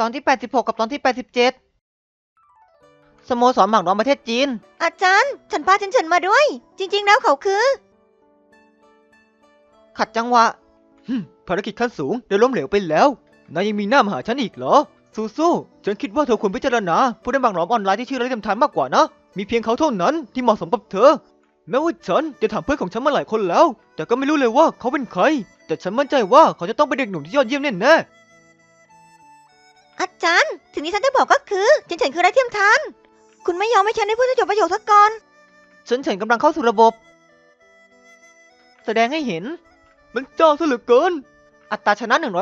ตอนที่86กับตอนที่87สโมสรหมากล้อมประเทศจีนอาจารย์ฉันพาเฉินมาด้วยจริงๆแล้วเขาคือขัดจังหวะภารกิจขั้นสูงได้ล้มเหลวไปแล้วนายยังมีหน้ามาหาฉันอีกเหรอสู้ๆฉันคิดว่าเธอควรพิจารณาผู้เล่นหมากล้อมออนไลน์ที่ชื่อไร้เทียมทานมากกว่านะมีเพียงเขาเท่านั้นที่เหมาะสมกับเธอแม้ว่าฉันจะถามเพื่อนของฉันมาหลายคนแล้วแต่ก็ไม่รู้เลยว่าเขาเป็นใครแต่ฉันมั่นใจว่าเขาจะต้องเป็นเด็กหนุ่มที่ยอดเยี่ยมแน่ๆอาจารย์สิ่งที่ฉันจะบอกก็คือเฉินคือไร้เทียมทานคุณไม่ยอมให้ฉันได้พูดให้จบประโยคสักก่อนฉันกำลังเข้าสู่ระบบแสดงให้เห็นมันจ้าซะเหลือเกินอัตราชนะ 100%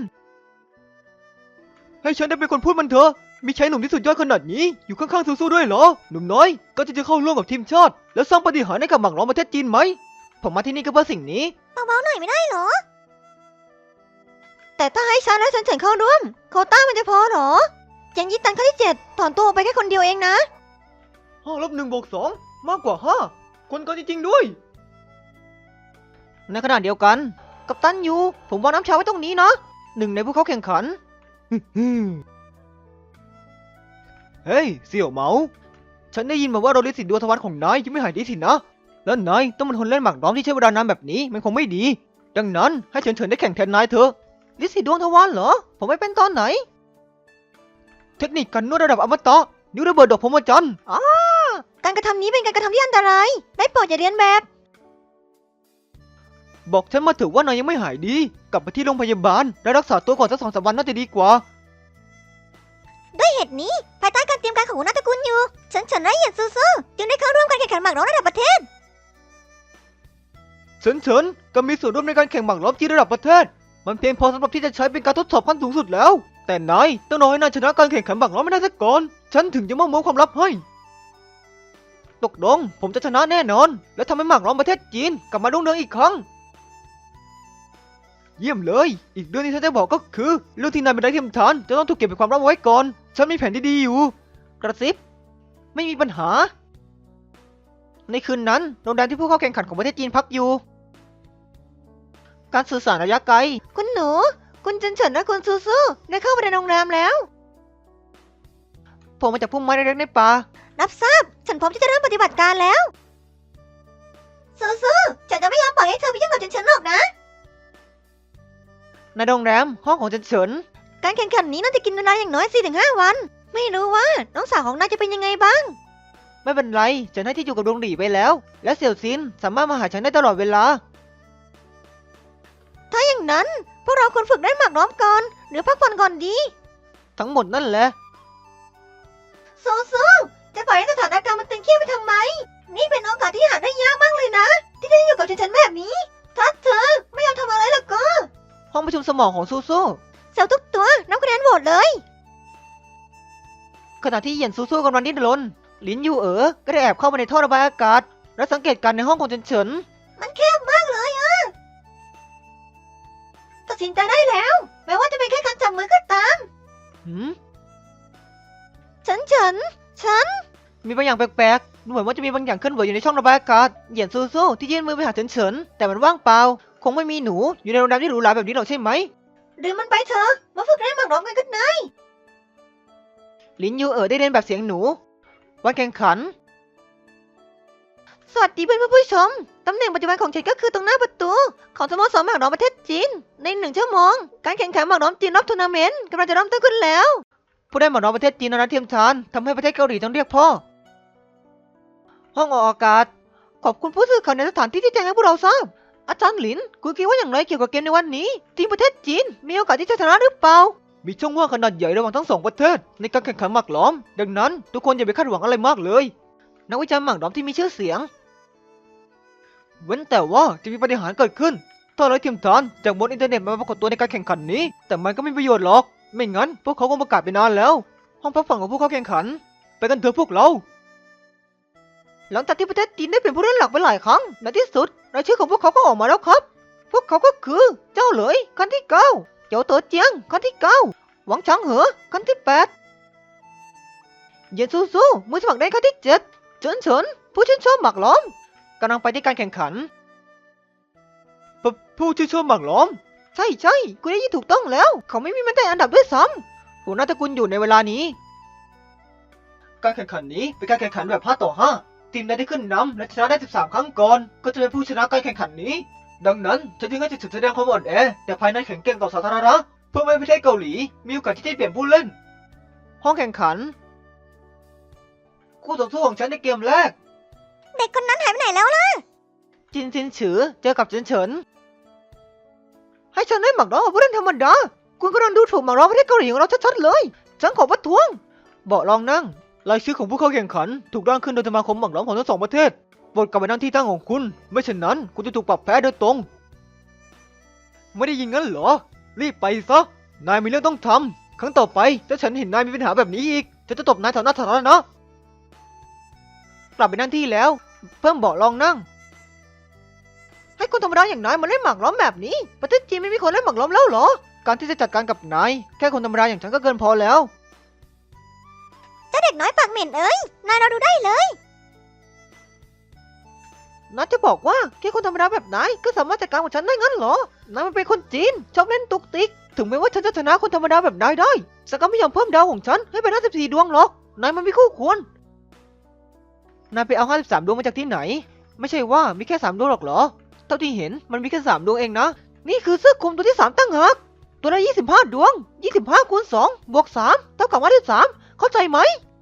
ให้ฉันได้เป็นคนพูดมันเถอะมีชายหนุ่มที่สุดยอดขนาดนี้อยู่ข้างๆซูซูด้วยเหรอหนุ่มน้อยก็จะเข้าร่วมกับทีมชาติแล้วสร้างปาฏิหาริย์ให้กับหมากล้อมประเทศจีนไหมผมมาที่นี่ก็เพื่อสิ่งนี้เบาๆหน่อยไม่ได้เหรอแต่ถ้าให้ฉันและเฉินเข้าร่วมโควต้ามันจะพอเหรอยังยิตันข้อที่7ถอนตัวออกไปแค่คนเดียวเองนะ 5+1+2 มากกว่า5คนกันจริงๆด้วยในขณะเดียวกันกัปตันยูผมวางน้ำชาไว้ตรงนี้นะหนึ่งในผู้เข้าแข่งขัน เฮ้ยเสี่ยวเหมาฉันได้ยินมาว่าโรลิสิดวงทวารของนายยังไม่หายดีสินะแล้วนายต้องเป็นคนเล่นหมากล้อมที่ใช้เวลานานแบบนี้มันคงไม่ดีดังนั้นให้เฉินได้แข่งแทนนายเถอะลิสิดวงทวารเหรอผมไม่เป็นตอนไหนเทคนิคการนวดระดับอมตะนิ้วระเบิดดอกพรหมจันทรย์การกระทำนี้เป็นการกระทำที่อันตรายได้โปรดอย่าเรียนแบบบอกฉันมาเถอะว่านายยังไม่หายดีกลับไปที่โรงพยาบาลและรักษาตัวก่อนสัก2-3 วันน่าจะดีกว่าด้วยเหตุนี้ภายใต้การเตรียมการของหัวหน้าตระกูลอยู่เฉินและเหยียดซูจึงได้เข้าร่วมการแข่งขันหมากล้อมระดับประเทศเฉินก็มีส่วนร่วมในการแข่งหมากล้อมจีนระดับประเทศมันเพียงพอสำหรับที่จะใช้เป็นการทดสอบขั้นสูงสุดแล้วแต่นายต้องรอให้นายชนะการแข่งขันหมากล้อมไม่ได้ซะก่อนฉันถึงจะมอบความลับให้ตกลงผมจะชนะแน่นอนและทำให้หมากล้อมประเทศจีนกลับมารุ่งเรืองอีกครั้งเยี่ยมเลยอีกเรื่องที่ฉันจะบอกก็คือเรื่องที่นายเป็นไร้เทียมทานจะต้องถูกเก็บเป็นความลับไว้ก่อนฉันมีแผนที่ดีอยู่กระซิบไม่มีปัญหาในคืนนั้นโรงแรมที่ผู้เข้าแข่งขันของประเทศจีนพักอยู่การสื่อสารระยะไกลคุณหนูคุณเฉินและคุณซูได้เข้าไปในโรงแรมแล้วผมมาจากพุ่มไม้เล็กๆในป่ารับทราบฉันพร้อมที่จะเริ่มปฏิบัติการแล้วซูฉันจะไม่ยอมปล่อยให้เธอไปยุ่งกับเฉินหรอกนะในโรงแรมห้องของเฉินการแข่งขันนี้น่าจะกินเวลาอย่างน้อย 4-5 วันไม่รู้ว่าน้องสาวของนายจะเป็นยังไงบ้างไม่เป็นไรฉันให้ที่อยู่กับดวงหลี่ไปแล้วและเสี่ยวซินสามารถมาหาฉันได้ตลอดเวลาถ้าอย่างนั้นพวกเราควรฝึกได้หมากล้อมก่อนหรือพักผ่อนก่อนดีทั้งหมดนั่นแหละซูจะปล่อยให้สถานการณ์มันตึงเครียดไปทำไมนี่เป็นโอกาสที่หาได้ยากมากเลยนะที่ได้อยู่กับฉันแบบนี้ถ้าเธอไม่ยอมทำอะไรล่ะก็ห้องประชุมสมองของซูเซลล์ทุกตัวนับคะแนนโหวตเลยขณะที่เหยียนซูกำลังดิ้นรนลินยูก็ได้แอบเข้ามาในท่อระบายอากาศและสังเกตการในห้องของเฉินมันแคบมากเลยอะตัดสินใจได้แล้วแม้ว่าจะเป็นแค่การจับมือก็ตามฉันมีบางอย่างแปลกๆดูเหมือนว่าจะมีบางอย่างเคลื่อนไหวอยู่ในช่องระบายอากาศเหยียนซูที่ยื่นมือไปหาเฉินแต่มันว่างเปล่าคงไม่มีหนูอยู่ในโรงแรมที่หรูหราแบบนี้หรอกใช่ไหมหรือมันไปเถอะมาฝึกเล่นหมากล้อมกันกันนายลินยูได้เรียนแบบเสียงหนูวันแข่งขันสวัสดีเพื่อนผู้ชมตำแหน่งปัจจุบันของฉันก็คือตรงหน้าประตูของสโมสรหมากล้อมประเทศจีนใน1 ชั่วโมงการแข่งขันหมากล้อมจีนรอบทัวร์นาเมนต์กำลังจะเริ่มต้นขึ้นแล้วผู้ได้หมากล้อมประเทศจีนนั้นเทียมทานทำให้ประเทศเกาหลีต้องเรียกพ่อห้องออกอากาศขอบคุณผู้สื่อข่าวในสถานที่ที่แจ้งให้พวกเราทราบอาจารย์หลินคุณคิดว่าอย่างไรเกี่ยวกับเกมในวันนี้ทีมประเทศจีนมีโอกาสที่จะชนะหรือเปล่ามีช่องว่างขนาดใหญ่ระหว่างทั้ง2 ประเทศในการแข่งขันหมากล้อมดังนั้นทุกคนอย่าไปคาดหวังอะไรมากเลยนักวิจารณ์หมากล้อมที่มีชื่อเสียงเว้นแต่ว่าจะมีปาฏิหาริย์เกิดขึ้นถ้าไร้เทียมทานจากบนอินเทอร์เน็ตมาปรากฏตัวในการแข่งขันนี้แต่มันก็ไม่มีประโยชน์หรอกไม่งั้นพวกเขาคงประกาศไปนานแล้วห้องพักผ่อนของผู้เข้าแข่งขันไปกันเถอะพวกเราหลังจากที่ประเทศจีนได้เป็นผู้เล่นหลักไปหลายครั้งในที่สุดรายชื่อของพวกเขาก็ออกมาแล้วครับพวกเขาก็คือเจ้าเหลยคันที่9เจ้าเต๋อเจียงคันที่9หวังฉางเหอคันที่8เหยียนซูมือสมัครได้คันที่7เฉินผู้ชื่นชอบหมากล้อมกำลังไปที่การแข่งขันผู้ชื่นชอบหมากล้อมใช่คุณได้ยินถูกต้องแล้วเขาไม่มีแม้แต่อันดับด้วยซ้หัวหน้าตระกูลอยู่ในเวลานี้ การแข่งขันนี้เป็นการแข่งขันแบบ5 ต่อ 5ทีมใดที่ขึ้นนำและชนะได้13 ครั้งก่อนก็จะเป็นผู้ชนะการแข่งขันนี้ดังนั้นฉันจึงให้จะแสดงความอ่อนแอแต่ภายในแข็งแกร่งต่อสาธารณะเพื่อไม่ให้ประเทศเกาหลีมีโอกาสที่จะเปลี่ยนผู้เล่นห้องแข่งขันคู่ต่อสู้ของฉันในเกมแรกเด็กคนนั้นหายไปไหนแล้วล่ะจินซินฉือเจอกับเฉินเฉินให้ฉันได้หมักร้องกับผู้เล่นธรรมดาคุณกำลังดูถูกหมักร้องประเทศเกาหลีของเราชัดๆเลยฉันขอประท้วงเบาะรองนั่งรายชื่อของผู้เข้าแข่งขันถูกร่างขึ้นโดยสมาคมหมักร้องของทั้ง2 ประเทศโปรดกลับไปนั่งที่ตั้งของคุณไม่เช่นนั้นคุณจะถูกปรับแพ้โดยตรงไม่ได้ยินงั้นเหรอรีบไปซะนายมีเรื่องต้องทำครั้งต่อไปถ้าฉันเห็นนายมีปัญหาแบบนี้อีกจะตบนายต่อหน้าสาธารณะกลับไปนั่งที่แล้วเพิ่มเบาะรองนั่งให้คนธรรมดาอย่างนายมาเล่นหมากล้อมแบบนี้ประเทศจีนไม่มีคนเล่นหมากล้อมแล้วเหรอการที่จะจัดการกับนายแค่คนธรรมดาอย่างฉันก็เกินพอแล้วเจ้าเด็กน้อยปากเหม็นเอ้ย นายเราดูได้เลยนัทจะบอกว่าแค่คนธรรมดาแบบนายก็สามารถจัดการกับฉันได้งั้นเหรอนายมันเป็นคนจีนชอบเล่นตุกติกถึงแม้ว่าฉันจะชนะคนธรรมดาแบบนายได้แต่ก็ไม่ยอมเพิ่มดาวของฉันให้เป็น54 ดวงหรอกนายมันไม่คู่ควรนายไปเอา53 ดวงมาจากที่ไหนไม่ใช่ว่ามีแค่3 ดวงหรอกเหรอเท่าที่เห็นมันมีแค่3 ดวงเองนะนี่คือเสื้อคลุมตัวที่3ตั้งหากตัวละ25 ดวง25 คูณ 2 บวก 3เท่ากับ53เข้าใจไหม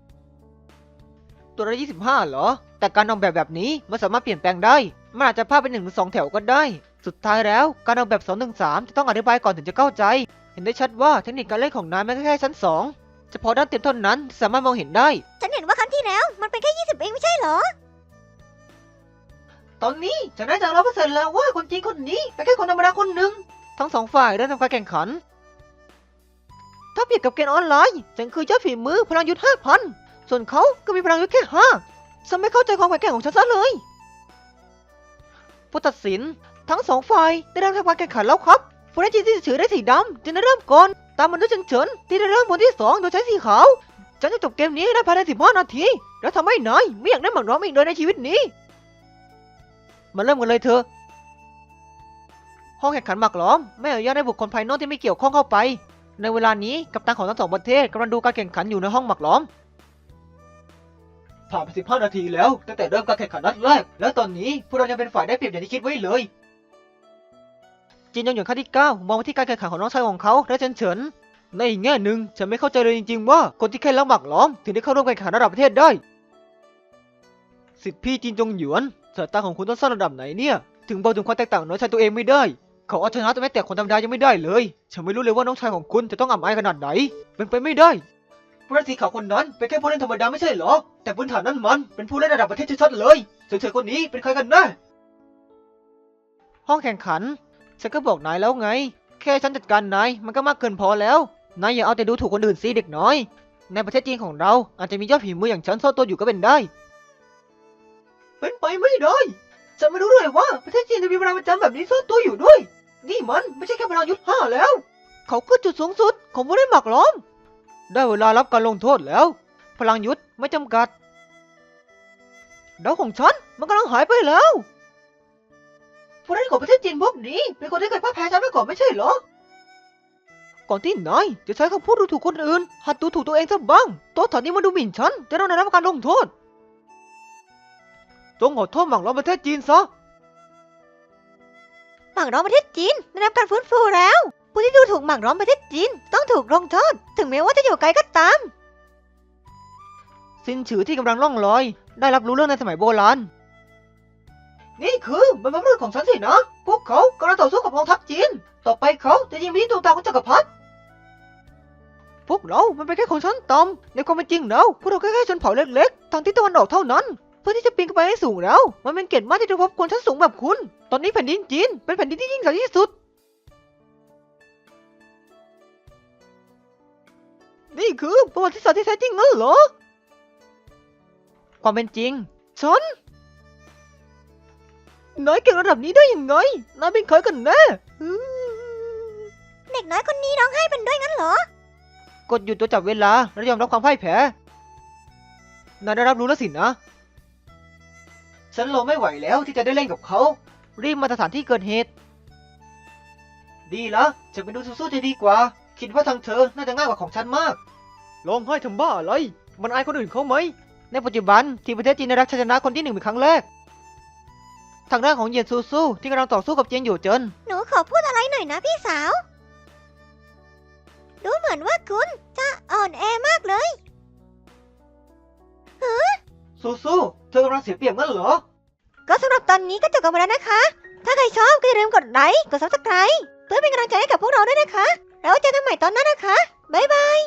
ตัวละ25เหรอแต่การออกแบบนี้มันสามารถเปลี่ยนแปลงได้มันอาจจะพาดเป็น1 ถึง 2 แถวก็ได้สุดท้ายแล้วการออกแบบ2 ถึง 3จะต้องอธิบายก่อนถึงจะเข้าใจเห็นได้ชัดว่าเทคนิคการเล่นของนายมันแค่ชั้น2เฉพาะด้านเต็มเท่านั้นที่สามารถมองเห็นได้ฉันเห็นว่าครั้งที่แล้วมันเป็นแค่20เองไม่ใช่เหรอตอนนี้ฉันได้จาก100%แล้วว่าคนจีนคนนี้เป็นแค่คนธรรมดาคนหนึ่งทั้ง2 ฝ่ายได้ทำการแข่งขันถ้าเปรียบกับเกมออนไลน์ฉันคือยอดฝีมือพลังยุทธ5,000ส่วนเขาก็มีพลังยุทธแค่5ฉันไม่เข้าใจความแข็งแกร่งของฉันซะเลยผู้ตัดสินทั้ง2 ฝ่ายได้เริ่มทำการแข่งขันแล้วครับผู้เล่นจีนที่ถือได้สีดำจึงได้เริ่มก่อนตามมาด้วยเฉินที่ได้เริ่มคนที่2โดยใช้สีขาวฉันจะจบเกมนี้ได้ภายใน15 นาทีแล้วทำให้นายไม่อยากได้หมากร้อมอีกเลยในชีวิตนี้มาเริ่มกันเลยเถอะห้องแข่งขันหมากล้อมไม่อนุญาตให้บุคคลภายนอกที่ไม่เกี่ยวข้องเข้าไปในเวลานี้กัปตันของทั้ง2 ประเทศกำลังดูการแข่งขันอยู่ในห้องหมากล้อมผ่านไป15 นาทีแล้วตั้งแต่เริ่มการแข่งขันนัดแรกแล้วตอนนี้พวกเรายังเป็นฝ่ายได้เปรียบอย่างที่คิดไว้เลยจินยองหยวนขั้นที่ 9มองไปที่การแข่งขันของน้องชายของเขาและเฉินในอีกแง่หนึ่งฉันไม่เข้าใจเลยจริงๆว่าคนที่แค่รักหมากล้อมถึงได้เข้าร่วมการแข่งขันระดับประเทศได้สิทธิพี่จินจงหยวนสายตาของคุณต้องสั้นระดับไหนเนี่ยถึงบอกถึงความแตกต่างน้องชายตัวเองไม่ได้เขาเอาชนะแต่คนธรรมดายังไม่ได้เลยฉันไม่รู้เลยว่าน้องชายของคุณจะต้องอับอายขนาดไหนเป็นไปไม่ได้ผู้เล่นสีขาวคนนั้นเป็นแค่ผู้เล่นธรรมดาไม่ใช่เหรอแต่พื้นฐานนั้นมันเป็นผู้เล่นระดับประเทศชัดๆเลยเฉยๆคนนี้เป็นใครกันแน่ห้องแข่งขันฉันก็บอกนายแล้วไงแค่ฉันจัดการนายมันก็มากเกินพอแล้วนายอย่าเอาแต่ดูถูกคนอื่นสิเด็กน้อยในประเทศจีนของเราอาจจะมียอดฝีมืออย่างฉันซ่อนตัวอยู่ก็เป็นได้เป็นไปไม่ได้ฉันไม่รู้เลยว่าประเทศจีนจะมีพลังประจำแบบนี้ซ่อนตัวอยู่ด้วยนี่มันไม่ใช่แค่พลังยุทธ5แล้วเขาคือจุดสูงสุดของผู้เล่นหมากล้อมได้เวลารับการลงโทษแล้วพลังยุทธไม่จำกัดดาวของฉันมันกำลังหายไปแล้วผู้เล่นของประเทศจีนพวกนี้เป็นคนที่เคยพ่ายแพ้ฉันมาก่อนไม่ใช่เหรอก่อนที่นายจะใช้คำพูดดูถูกคนอื่นหัดดูถูกตัวเองซะบ้างตัวถอนนี้มาดูหมิ่นฉันจะต้องได้รับการลงโทษจงขอโทษหมากล้อมประเทศจีนซะหมากร้อมประเทศจีนได้รับการฟื้นฟูแล้ว ผู้ที่ดูถูกหมากร้อมประเทศจีนต้องถูกลงโทษถึงแม้ว่าจะอยู่ไกลก็ตามซินฉือที่กำลังล่องลอยได้รับรู้เรื่องในสมัยโบราณนี่คือบรรพบุรุษของฉันสินะพวกเขากำลังต่อสู้กับกองทัพจีนต่อไปเขาจะยิงไปที่ดวงตาของจักรพรรดิพวกเรามันเป็นแค่คนชั้นต่ำในความเป็นจริงแล้วพวกเราแค่ชนเผ่าเล็กๆทางทิศตะวันออกเท่านั้นเพื่อที่จะปีนขึ้นไปให้สูงแล้วมันเป็นเกียรติมากที่จะพบคนชั้นสูงแบบคุณตอนนี้แผ่นดินจีนเป็นแผ่นดินที่ยิ่งใหญ่ที่สุดนี่คือประวัติศาสตร์ที่แท้จริงงั้นเหรอความเป็นจริงฉันนายเก่งระดับนี้ได้ยังไงนายเป็นใครกันแน่เด็กน้อยคนนี้ร้องไห้เป็นด้วยงั้นเหรอกดหยุดตัวจับเวลาและยอมรับความพ่ายแพ้นายได้รับรู้แล้วสินะฉันรอไม่ไหวแล้วที่จะได้เล่นกับเขารีบมาสถานที่เกิดเหตุดีละจะไปดูสู้ๆจะดีกว่าคิดว่าทางเธอน่าจะง่ายกว่าของฉันมากร้องไห้ทำบ้าอะไรมันอายคนอื่นเขาไหมในปัจจุบันที่ประเทศจีนได้รับชัยชนะคนที่หนึ่งเป็นครั้งแรกทางด้านของเหยียนซูซูที่กำลังต่อสู้กับเจียงหยู่เจินหนูขอพูดอะไรหน่อยนะพี่สาว ดูเหมือนว่าคุณจะอ่อนแอมากเลยซูซูเธอกำลังเสียเปรียบงั้นเหรอก็สำหรับตอนนี้ก็จบกันไปแล้วนะคะ ถ้าใครชอบก็อย่าลืมกดไลค์ กด Subscribe เพื่อเป็นกำลังใจให้กับพวกเราด้วยนะคะ แล้วเจอกันใหม่ตอนหน้านะคะ บ๊ายบาย